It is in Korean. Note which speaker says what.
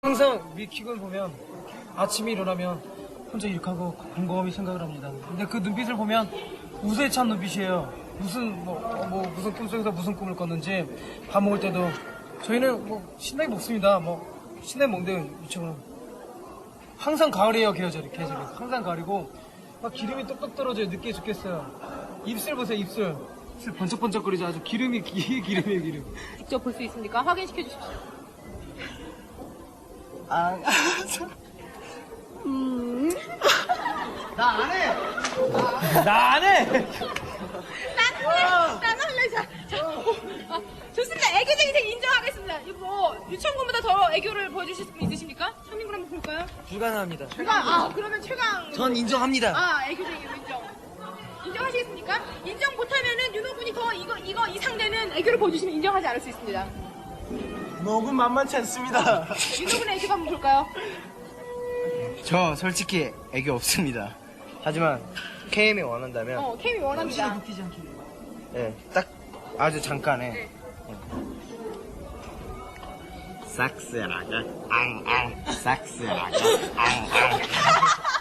Speaker 1: 항상 미킥을 보면 아침에 일어나면 혼자 이렇게 하고 곰곰이 생각을 합니다. 근데 그 눈빛을 보면 우세에 찬 눈빛이에요. 무슨 꿈속에서 무슨 꿈을 꿨는지 밥 먹을 때도 저희는 뭐 신나게 먹습니다. 뭐 신나게 먹는데 이처럼 항상 가을이에요. 계절이 항상 가을이고 막 기름이 똑똑 떨어져요. 늦게 죽겠어요. 입술 보세요. 입술 번쩍번쩍거리죠. 아주 기름이에요. 기름.
Speaker 2: 직접 볼 수 있습니까? 확인시켜 주십시오.
Speaker 1: 나 안 해!
Speaker 2: 나는 할래. 좋습니다. 애교쟁이 인생 인정하겠습니다. 이거 뭐 유치원군보다 더 애교를 보여주실 분 있으십니까? 현민군 한번 볼까요?
Speaker 1: 불가능합니다.
Speaker 2: 그러면 최강.
Speaker 1: 전 인정합니다.
Speaker 2: 애교쟁이로 인정하시겠습니까? 인정 못하면은 윤호군이 더 이 상대는 애교를 보여주시면 인정하지 않을 수 있습니다.
Speaker 1: 먹은 만만치 않습니다.
Speaker 2: 윤호군의 애교 한번 볼까요?
Speaker 3: 저 솔직히 애교 없습니다. 하지만 KM이 원한다면
Speaker 2: 케미 원합니다.
Speaker 1: 웃기지 않게.
Speaker 3: 예, 딱 아주 잠깐에 싹스라가 앙앙 싹스라가 앙앙